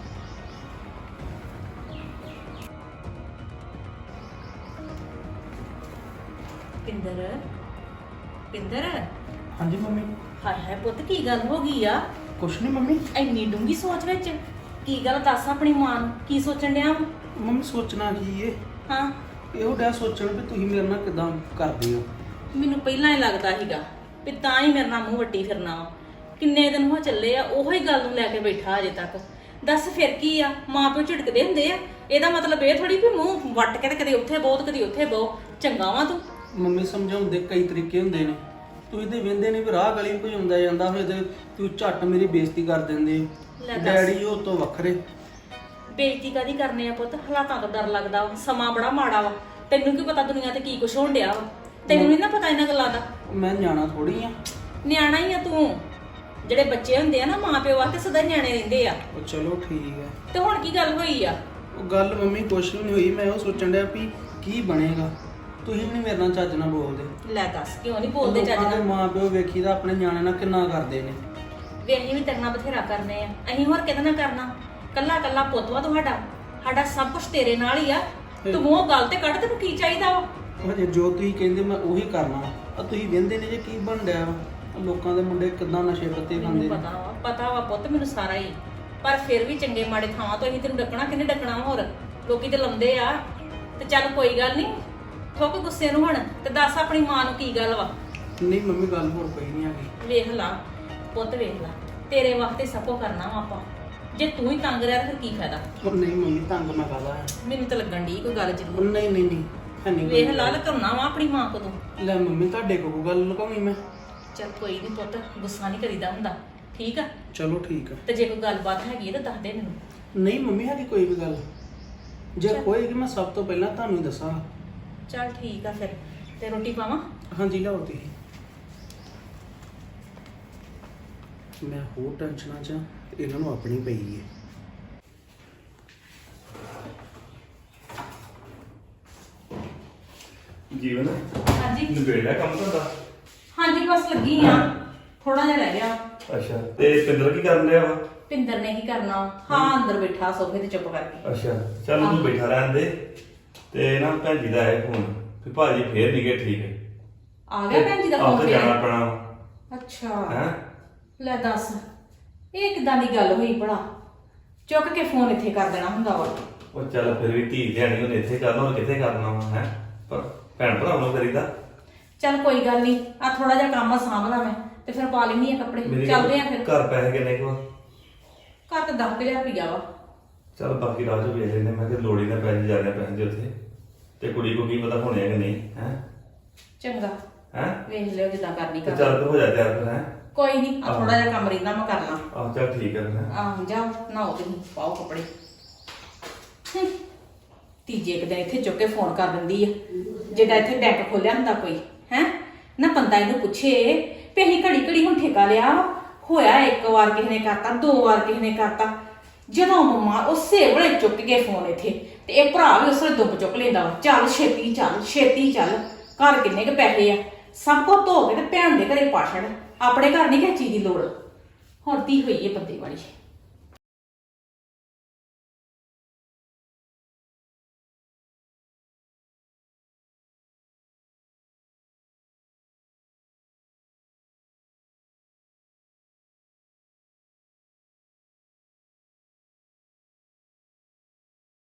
ਪਿੰਦਰ ਪਿੰਦਰ ਹਾਂਜੀ ਮੰਮੀ ਹਾਏ ਹਾਏ ਪੁੱਤ ਕੀ ਗੱਲ ਹੋ ਗਈ ਆ ਕੁਛ ਨਹੀਂ ਮੰਮੀ ਇੰਨੀ ਡੂੰਗੀ ਸੋਚ ਵਿੱਚ ਕੀ ਗੱਲ ਦੱਸ ਆਪਣੀ ਮਾਂ ਨੂੰ ਕੀ ਸੋਚਣ ਡਿਆ ਵਾਂ? ਮੰਮੀ ਸੋਚਣਾ ਕੀ ਏ ਹਾਂ ਇਹੋ ਡਿਆ ਸੋਚਣ ਵੀ ਤੁਸੀਂ ਮੇਰੇ ਨਾਲ ਕਿਦਾਂ ਕਰਦੇ ਹੋ ਮੈਨੂੰ ਪਹਿਲਾਂ ਹੀ ਲੱਗਦਾ ਸੀਗਾ ਵੀ ਤਾਂ ਹੀ ਮੇਰੇ ਨਾਲ ਮੂੰਹ ਵੱਟੀ ਫਿਰਨਾ ਵਾ ਕਿੰਨੇ ਦਿਨ ਹੋ ਚੱਲੇ ਆ ਉਹੋ ਹੀ ਗੱਲ ਨੂੰ ਲੈ ਕੇ ਬੈਠਾ ਅਜੇ ਤੱਕ ਦੱਸ ਫਿਰ ਕੀ ਆ ਮਾਂ ਪਿਓ ਝਿੜਕਦੇ ਹੁੰਦੇ ਆ ਇਹਦਾ ਮਤਲਬ ਇਹ ਥੋੜੀ ਵੀ ਮੂੰਹ ਵੱਟ ਕੇ ਤੇ ਕਦੇ ਉੱਥੇ ਬਹੁਤ ਕਦੀ ਉੱਥੇ ਬਹੁ ਚੰਗਾ ਵਾ ਤੂੰ ਮੰਮੀ ਸਮਝਾਉਂਦੇ ਕਈ ਤਰੀਕੇ ਹੁੰਦੇ ਨੇ ਤੁਸੀਂ ਤੇ ਵੇਂਦੇ ਨਹੀਂ ਵੀ ਰਾਹ ਗਲੀ ਕੋਈ ਹੁੰਦਾ ਜਾਂਦਾ ਹੋਏ ਤੇ ਤੂੰ ਝੱਟ ਮੇਰੀ ਬੇਇੱਜ਼ਤੀ ਕਰ ਦਿੰਦੇ ਹੋ। ਲੈ ਦੱਸ। ਡੈਡੀ ਉਹ ਤੋਂ ਵੱਖਰੇ ਬੇਇੱਜ਼ਤੀ ਕਾਦੀ ਕਰਨੇ ਆ ਪੁੱਤ ਹਾਲਾਤਾਂ ਤੋਂ ਡਰ ਲੱਗਦਾ ਵਾ ਸਮਾਂ ਬੜਾ ਮਾੜਾ ਵਾ ਤੈਨੂੰ ਕੀ ਪਤਾ ਦੁਨੀਆ ਤੇ ਕੀ ਕੁਛ ਹੋਣ ਡਿਆ ਵਾ ਤੈਨੂੰ ਨਹੀਂ ਨਾ ਪਤਾ ਇਹਨਾਂ ਗੱਲਾਂ ਦਾ ਮੈਂ ਨਿਆਣਾ ਥੋੜੀ ਆ ਨਿਆਣਾ ਹੀ ਆ ਤੂੰ ਜਿਹੜੇ ਬੱਚੇ ਹੁੰਦੇ ਆ ਨਾ ਮਾਂ ਪਿਓ ਵਾਸਤੇ ਸਦਾ ਹੀ ਨਿਆਣੇ ਰਹਿੰਦੇ ਆ ਉਹ ਚਲੋ ਠੀਕ ਹੈ ਤੇ ਹੁਣ ਕੀ ਗੱਲ ਹੋਈ ਆ ਉਹ ਗੱਲ ਮੰਮੀ ਕੁਛ ਵੀ ਨਹੀਂ ਹੋਈ ਮੈਂ ਉਹ ਸੋਚਣ ਡਿਆ ਵੀ ਕੀ ਬਣੇਗਾ ਤੁਸੀਂ ਵੀ ਨਹੀਂ ਮੇਰੇ ਨਾਲ ਚੱਜ ਨਾਲ ਬੋਲਦੇ ਲੈ ਦੱਸ ਕਿਉਂ ਨਹੀਂ ਬੋਲਦੇ ਚੱਜ ਲੋਕਾਂ ਦੇ ਨਾਲ ਮਾਂ ਪਿਓ ਵੇਖੀ ਦਾ ਆਪਣੇ ਨਿਆਣੇ ਨਾਲ ਕਿੰਨਾ ਕਰਦੇ ਨੇ ਵੀ ਅਸੀਂ ਵੀ ਤੇਰੇ ਨਾਲ ਬਥੇਰਾ ਕਰਨੇ ਆ ਅਸੀਂ ਹੋਰ ਕਿਹਦੇ ਨਾਲ ਕਰਨਾ ਕੱਲਾ ਕੱਲਾ ਪੁੱਤ ਵਾ ਤੁਹਾਡਾ ਸਾਡਾ ਸਭ ਕੁਝ ਤੇਰੇ ਨਾਲ ਹੀ ਆ ਤੂੰ ਮੂੰਹ ਗੱਲ ਤੇ ਕੱਢ ਤੈਨੂੰ ਕੀ ਚਾਹੀਦਾ ਵਾ ਉਹ ਜੇ ਜੋ ਤੁਸੀਂ ਕਹਿੰਦੇ ਮੈਂ ਉਹੀ ਕਰਨਾ ਆ ਤੁਸੀਂ ਵਹਿੰਦੇ ਨੇ ਜੇ ਕੀ ਬਣ ਡਿਆ ਵਾ ਆਹ ਲੋਕਾਂ ਦੇ ਮੁੰਡੇ ਕਿੱਦਾਂ ਨਸ਼ੇ ਪੱਤੇ ਖਾਂਦੇ ਮੈਨੂੰ ਨੇ ਪਤਾ ਵਾ ਪਤਾ ਵਾ ਪੁੱਤ ਮੈਨੂੰ ਸਾਰਾ ਹੀ ਪਰ ਫਿਰ ਵੀ ਚੰਗੇ ਮਾੜੇ ਥਾਵਾਂ ਤੋਂ ਅਸੀਂ ਤੈਨੂੰ ਡੱਕਣਾ ਕਿੰਨੇ ਡੱਕਣਾ ਵਾ ਹੋਰ ਲੋਕੀ ਤੇ ਲਾਉਂਦੇ ਆ ਤੇ ਚੱਲ ਕੋਈ ਗੱਲ ਨਹੀਂ ਠੋਕ ਗੁੱਸੇ ਨੂੰ ਹੁਣ ਤੇ ਦੱਸ ਆਪਣੀ ਮਾਂ ਨੂੰ ਕੀ ਗੱਲ ਵਾ ਨਹੀਂ ਮੰਮੀ ਗੱਲ ਹੋਰ ਕੋਈ ਨਹੀਂ ਆਗੀ ਵੇਖ ਲਾ ਪੁੱਤ ਵੇਖ ਲਾ ਤੇਰੇ ਵਾਸਤੇ ਸਭ ਕੁਝ ਕਰਨਾ ਵਾ ਆਪਾਂ ਜੇ ਤੂੰ ਹੀ ਤੰਗ ਰਿਹਾ ਤਾਂ ਫਿਰ ਕੀ ਫਾਇਦਾ ਉਹ ਨਹੀਂ ਮੰਮੀ ਤੰਗ ਮੈਂ ਕਰਦਾ ਹੈ ਮੈਨੂੰ ਤਾਂ ਲੱਗਣ ਦੀ ਕੋਈ ਗੱਲ ਉਹ ਜ਼ਰੂਰ ਨਹੀਂ ਨਹੀਂ ਨਹੀਂ ਹੈ ਨਹੀਂ ਵੇਖ ਲਾ ਲਕਾਉਣਾ ਵਾ ਆਪਣੀ ਮਾਂ ਕੋਲੋਂ ਲੈ ਮੰਮੀ ਤੁਹਾਡੇ ਕੋਲ ਗੱਲ ਲੁਕਾਉਣੀ ਮੈਂ ਚੱਲ ਕੋਈ ਨਹੀਂ ਪੁੱਤ ਗੁੱਸਾ ਨਹੀਂ ਕਰੀਦਾ ਹੁੰਦਾ ਠੀਕ ਆ ਚਲੋ ਠੀਕ ਆ ਤੇ ਜੇ ਕੋਈ ਗੱਲਬਾਤ ਹੈਗੀ ਤਾਂ ਦੱਸ ਦੇ ਮੈਨੂੰ ਨਹੀਂ ਮੰਮੀ ਹੈਗੀ ਕੋਈ ਵੀ ਗੱਲ ਜੇ ਹੋਏਗੀ ਮੈਂ ਸਭ ਤੋਂ ਪਹਿਲਾਂ ਤੁਹਾਨੂੰ ਹੀ ਦੱਸਾਂਗਾ ਚੱਲ ਠੀਕ ਆ ਫਿਰ ਤੇ ਰੋਟੀ ਪਾਵਾਂ ਹਾਂਜੀ ਲਿਆਓ ਤੁਸੀਂ ਮੈਂ ਹੋਰ ਟੈਨਸ਼ਨਾਂ 'ਚ ਇਹਨਾਂ ਨੂੰ ਆਪਣੀ ਪਈ ਹੈ ਜੀਵਨ ਹਾਂਜੀ ਨਿਬੇੜਿਆ ਕੰਮ ਤੁਹਾਡਾ ਹਾਂਜੀ ਬਸ ਲੱਗੀ ਆ ਥੋੜਾ ਜਿਹਾ ਰਹਿ ਗਿਆ ਅੱਛਾ ਤੇ ਪਿੰਦਰ ਕੀ ਕਰਨ ਰਿਹਾ ਵਾ ਪਿੰਦਰ ਨੇ ਕੀ ਕਰਨਾ ਹਾਂ ਅੰਦਰ ਬੈਠਾ ਸੋਫੇ ਤੇ ਚੁੱਪ ਕਰਕੇ ਅੱਛਾ ਚੱਲ ਤੂੰ ਬੈਠਾ ਰਹਿਣ ਦੇ ਤੇ ਨਾ ਭੈਣ ਜੀ ਦਾ ਆਇਆ ਫੋਨ ਵੀ ਭਾਜੀ ਫੇਰ ਨਹੀਂ ਗਏ ਠੀਕ ਹੈ ਆ ਗਿਆ ਭੈਣ ਜੀ ਦਾ ਆਪ ਫੋਨ ਤੇ ਜਾਣਾ ਫੇਰ ਪੈਣਾ ਅੱਛਾ ਹੈ ਲੈ ਦੱਸ ਇਹ ਕਿਦਾਂ ਦੀ ਗੱਲ ਹੋਈ ਭਲਾ ਚੁੱਕ ਕੇ ਫੋਨ ਇੱਥੇ ਕਰ ਦੇਣਾ ਹੁੰਦਾ ਵਾ ਉਹ ਚੱਲ ਫਿਰ ਵੀ ਧੀ ਧਿਆਣੀ ਉਹਨੇ ਇੱਥੇ ਕਰਨਾ ਹੋਰ ਕਿੱਥੇ ਕਰਨਾ ਵਾ ਹੈ ਪਰ ਭੈਣ ਭਰਾ ਨੂੰ ਕਰੀਦਾ ਚੱਲ ਕੋਈ ਗੱਲ ਨਹੀਂ ਆ ਥੋੜਾ ਜਿਹਾ ਕੰਮ ਆ ਸਾਂਭਦਾ ਮੈਂ ਤੇ ਫਿਰ ਪਾ ਲੈਣੀ ਆ ਕੱਪੜੇ ਮੇਰੀ ਚੱਲਦੇ ਆ ਫਿਰ ਘਰ ਪੈਸੇ ਕਿੰਨੇ ਕੁ ਆ? ਘਰ ਤੇ ਦਸ ਹਜ਼ਾਰ ਰੁਪਈਆ ਵਾ ਚੱਲ ਬਾਕੀ ਰਾਹ ਚ ਵੇਖ ਲੈਂਦੇ ਮੈਂ ਕਿ ਲੋੜੀ ਨਾ ਪੈਸੇ ਜ਼ਿਆਦਾ ਪੈਸੇ ਉੱਥੇ ਤੇ ਕੁੜੀ ਕੋ ਕੀ ਪਤਾ ਹੋਣੇ ਆ ਕਿ ਨਹੀਂ ਹੈ ਚੰਗਾ ਹੈ ਵੇਖ ਲਿਓ ਜਿੱਦਾਂ ਕਰਨੀ ਤੇ ਕਰ ਚੱਲ ਤੂੰ ਹੋ ਜਾ ਤਿਆਰ ਫਿਰ ਹੈ ਕੋਈ ਨਹੀਂ ਆ ਥੋੜਾ ਜਿਹਾ ਕੰਮ ਰਹਿੰਦਾ ਮੈਂ ਕਰ ਲਾਂ। ਆਹ ਚੱਲ ਠੀਕ ਹੈ ਫਿਰ। ਆਹ ਜਾਓ ਨਹਾਓ ਤੁਸੀਂ ਪਾਓ ਕੱਪੜੇ। ਹਮ, ਤੀਜੇ ਕੁ ਦਿਨ ਇੱਥੇ ਚੁੱਕ ਕੇ ਫੋਨ ਕਰ ਦਿੰਦੀ ਆ ਜਿਹੜਾ ਇੱਥੇ ਬੈਂਕ ਖੋਲਿਆ ਹੁੰਦਾ ਕੋਈ ਹੈ ਨਾ ਬੰਦਾ ਇਹਨੂੰ ਪੁੱਛੇ ਵੀ ਅਸੀਂ ਘੜੀ ਘੜੀ ਹੁਣ ਠੇਕਾ ਲਿਆ ਵਾ। ਹੋਇਆ ਇੱਕ ਵਾਰ ਕਿਸੇ ਨੇ ਕਰਤਾ, ਦੋ ਵਾਰ ਕਿਸੇ ਨੇ ਕਰਤਾ, ਜਦੋਂ ਮੰਮਾ ਉਸੇ ਵੇਲੇ ਚੁੱਕ ਕੇ ਫੋਨ ਇੱਥੇ ਤੇ ਇਹ ਭਰਾ ਵੀ ਉਸੇ ਵੇਲੇ ਦੁੱਬ ਚੁੱਕ ਲੈਂਦਾ ਵਾ, ਚੱਲ ਛੇਤੀ ਚੱਲ ਛੇਤੀ ਚੱਲ, ਘਰ ਕਿੰਨੇ ਕੁ ਪੈਸੇ ਆ, ਸਭ ਕੁਝ ਧੋ ਕੇ ਤੇ ਭੈਣ ਦੇ ਘਰੇ ਪਾ ਛੱਡ, ਆਪਣੇ ਘਰ ਨਹੀਂ ਕਿਸੇ ਚੀਜ਼ ਦੀ ਲੋੜ। ਹੁਣ ਤੀ ਹੋਈ ਹੈ ਬੰਦੇ ਵਾਲੀ।